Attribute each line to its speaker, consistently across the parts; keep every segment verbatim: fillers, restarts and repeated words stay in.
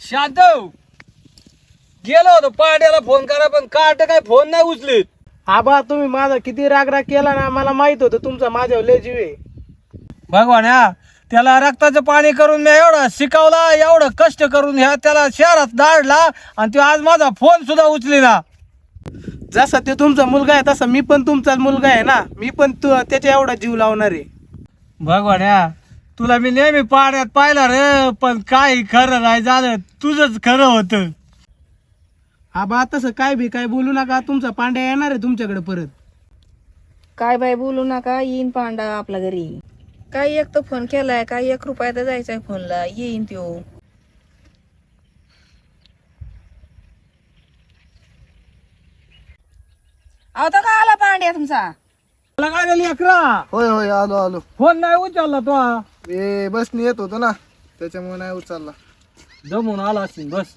Speaker 1: शांतव गेलो होतो पाड्याला फोन करा पण कार्ट काय फोन नाही उचलीत.
Speaker 2: आबा तुम्ही माझा किती राग राग केला ना, मला माहित होतं तुमचा माझ्यावर लय जीव आहे.
Speaker 1: भगवान ह्या त्याला रक्ताचं पाणी करून मी एवढा शिकवला, एवढं कष्ट करून ह्या त्याला शहरात दाढला आणि तो आज माझा फोन सुद्धा उचली ना.
Speaker 2: जसा ते तुमचा मुलगा आहे तसा मी पण तुमचाच मुलगा आहे ना, मी पण तू त्याच्या एवढा जीव लावणार आहे.
Speaker 1: भगवान ह्या तुला मी नेहमी पाण्यात पाहिला रे, पण काही खरं नाही झालं, तुझंच खरं होतं.
Speaker 2: आबा तसं काय बी काय बोलू नका, तुमचा पांड्या येणार आहे तुमच्याकडे परत.
Speaker 3: काय बाई बोलू नका, येईन पांडा आपल्या घरी. काही एक तो फोन केलाय, काही एक रुपया तर जायचाय फोनला, येईन त्यो. आता का आला पांड्या तुमचा?
Speaker 1: मला काय झाली अकरा
Speaker 4: होय होय आलो आलो.
Speaker 1: फोन नाही उचलला तो.
Speaker 4: ए बसने येत होतो ना, त्याच्यामुळे नाही उचलला.
Speaker 1: जमून आला असेल बस.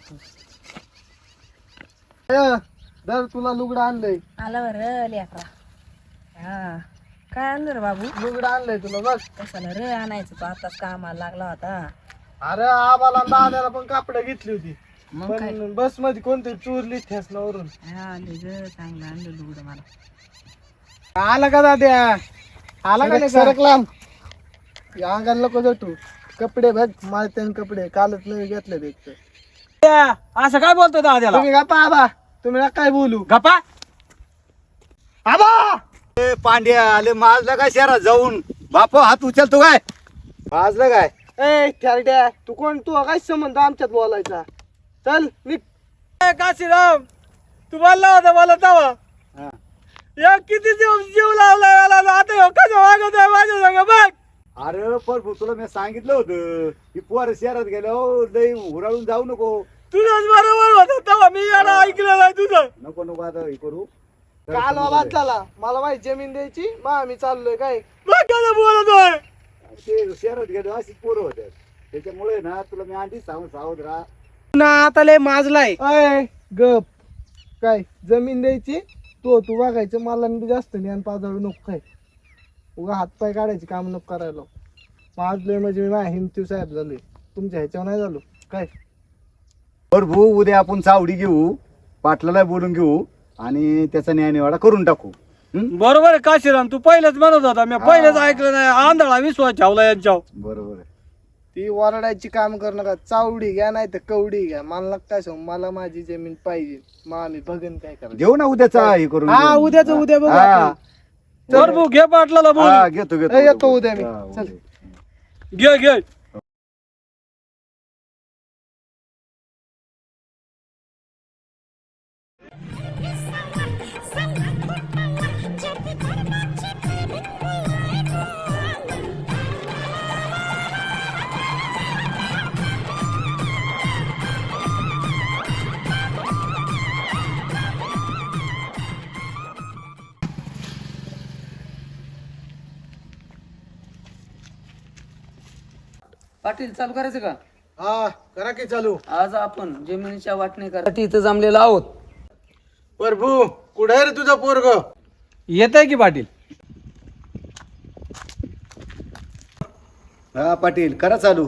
Speaker 4: ए, दर तुला लुगडं आणलंय.
Speaker 3: आला बरं लेकरा. हा काय आणलं रे बाबू?
Speaker 4: लुगडं आणलंय तुला बघ.
Speaker 3: कशाला रे आणायचं, तो आताच कामाला लागला होता.
Speaker 4: अरे आबाला दाद्याला पण कापड घेतली होती,
Speaker 3: मग काय?
Speaker 4: पण बस मध्ये कोणतरी चोरली ठेसनावरून.
Speaker 3: हा आले ग, चांगलं आणलं लुगडं मला.
Speaker 2: आला का दाद्या? आला का
Speaker 4: सरक
Speaker 2: नाही
Speaker 4: सरक लांब. या अंगाला नको जटू. कपडे बघ माळते कपडे कालच नवी घेतले ते.
Speaker 1: त्या, असं काय बोलतो दाद्याला?
Speaker 4: तुम्ही गप्पा आबा, तुम्ही नका काय बोलू.
Speaker 1: गप्पा आबा. ए पांड्या आले माजला काय शहरात जाऊन बापू हात उचलतो काय?
Speaker 4: वाजलं काय? ए थेरड्या, तू कोण? तू काय संबंध आमच्यात बोलायचा? चल निघ.
Speaker 1: ए, काशीराम तू बोलला होता मला तवा. या किती जीव जीव लावला याला, आता ह्यो कसं वागत आहे माझ्या संग बघ.
Speaker 5: अरे पण तुला मी सांगितलं होतं की पोर शहरात गेलो लई हुराळून जाऊ नको.
Speaker 1: तुझंच बरोबर होतं तेव्हा, मी याला ऐकलं नाही तुझं.
Speaker 5: नको नको आता हे करू.
Speaker 4: काल बाबा चला, मला माहिती जमीन द्यायची, मग आम्ही चाललोय काय.
Speaker 1: मग कसं बोलतोय?
Speaker 5: ते शहरात गेलो अशीच पोरं होत्या, त्याच्यामुळे ना तुला मी आधी सांगून सावध राहा.
Speaker 2: ना आता लय माजलाय.
Speaker 4: अय गप. काय जमीन द्यायची, तो तू बघायचं, मला जास्त ज्ञान पाजाळू नको. काय उगा हातपाय काढायचे काम नको करायला. माजलोय म्हणजे मी माझ्या हिमतीव साहेब झालोय, तुमच्या ह्याच्यावर नाही झालो. काय
Speaker 5: बर भाऊ, उद्या आपण चावडी घेऊ, पाटलाला बोलून घेऊ आणि त्याचा न्यायनिवाडा करून टाकू. हं?
Speaker 1: बरोबर आहे काशीराम, तू पहिलेच म्हणत होता, मी पहिलेच ऐकलं नाही. आंधळा विश्वास ठेवला यांच्यावर.
Speaker 5: बरोबर आहे.
Speaker 4: ती वरडायची काम कर नका. चावडी घ्या नाही तर कवडी घ्या, मला काय सांग, मला माझी जमीन पाहिजे. मग आम्ही बघन काय करायचं.
Speaker 5: घेऊ ना उद्याचा हे करून
Speaker 2: हा
Speaker 5: घेऊ.
Speaker 2: उद्याच उद्या बघू
Speaker 5: हा.
Speaker 2: आपण.
Speaker 1: बर भाऊ घे पाटलाला
Speaker 5: हा,
Speaker 1: बोल.
Speaker 5: घेतो घेतो
Speaker 4: ए, येतो उद्या मी.
Speaker 5: हा,
Speaker 4: चल.
Speaker 5: उद्या.
Speaker 1: घे घे.
Speaker 6: पाटील चालू करायचं का?
Speaker 4: हा करा की चालू.
Speaker 6: आज आपण जमिनीच्या वाटणीसाठी इथं जमलेलो आहोत.
Speaker 4: प्रभू कुठे आहे रे तुझा पोरग?
Speaker 1: येत आहे की पाटील.
Speaker 5: हा पाटील करा चालू.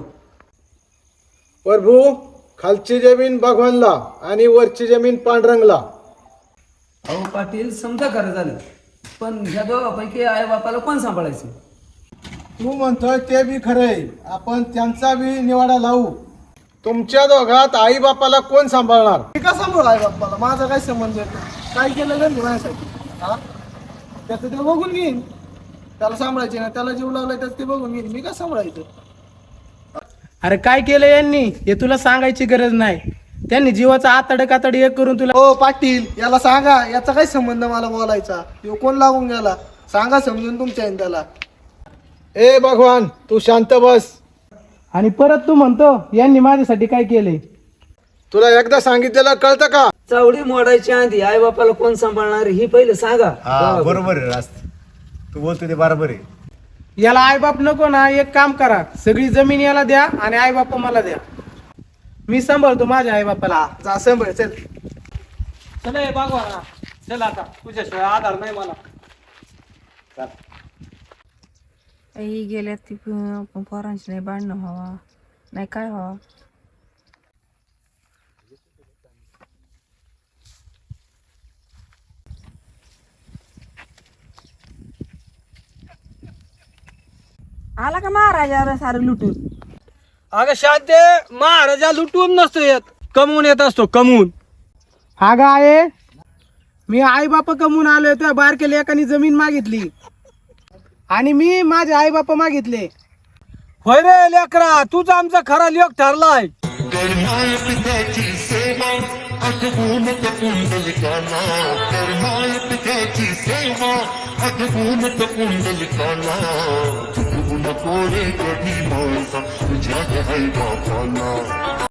Speaker 4: प्रभू खालची जमीन भगवानला आणि वरची जमीन पांडुरंगला.
Speaker 6: अहो पाटील समजा खरं झालं, पण ह्या दोघांपैकी आई बापाला कोण सांभाळायचं?
Speaker 4: तू म्हणतोय ते बी खरंय, आपण त्यांचा बी निवाडा लावू. तुमच्या दोघात आई बापाला कोण सांभाळणार? मी का सांभाळ आई बापाला? माझा काय संबंध येतो? काय केलं नाही माझ्यासाठी? हा त्याचं ते बघून घेईन. त्याला सांभाळायचे ना, त्याला जीव लावलाय त्याचं ते बघून घेईन. मी का सांभाळायचं?
Speaker 2: अरे काय केलं यांनी हे तुला सांगायची गरज नाही. त्यांनी जीवाचा आतड कातड एक करून तुला.
Speaker 4: हो पाटील, याला सांगा याचा काय संबंध मला बोलायचा. यो कोण लागून गेला सांगा समजून तुमच्या आहे त्याला. ए भगवान तू शांत बस.
Speaker 2: आणि परत तू म्हणतो यांनी माझ्यासाठी काय केलंय?
Speaker 4: तुला एकदा सांगितलेलं कळतं का?
Speaker 6: चावडी मोडायची आधी आई बापाला कोण सांभाळणार ही पहिले सांगा.
Speaker 5: हा बरोबर आहे रास्त, तू बोलतो ते बरोबर आहे.
Speaker 2: याला आईबाप नको ना, एक काम करा, सगळी जमीन याला द्या आणि आईबाप मला द्या. मी सांभाळतो माझ्या आईबापाला.
Speaker 4: जा सांभाळ चल.
Speaker 1: चला हे बागवा ना. चल आता तुझ्याशिवाय आधार नाही मला.
Speaker 3: आई गेल्यात ती प- पोरांची नाही भांडणं व्हावा, नाही काय व्हावा. आला का महाराजा सारं लुटून?
Speaker 1: अगं शांते, महाराजा लुटून नसतो येत, कमवून येत असतो, कमवून.
Speaker 2: हा गा आहे, मी आई बाप कमवून आलोय, त्या बारके लेकानी जमीन मागितली आणि मी माझे आई बाप मागितले.
Speaker 1: होय रे लेकरा, तूच आमचा खरा लेख ठरलाय.
Speaker 7: करमाय पित्याची सेवा आठवून कुंडलिकाला, करमाय पित्याची सेवा आठवून कुंडलिकाला, चुकवू नको रे कधी माझा तुझ्या आई बापाला.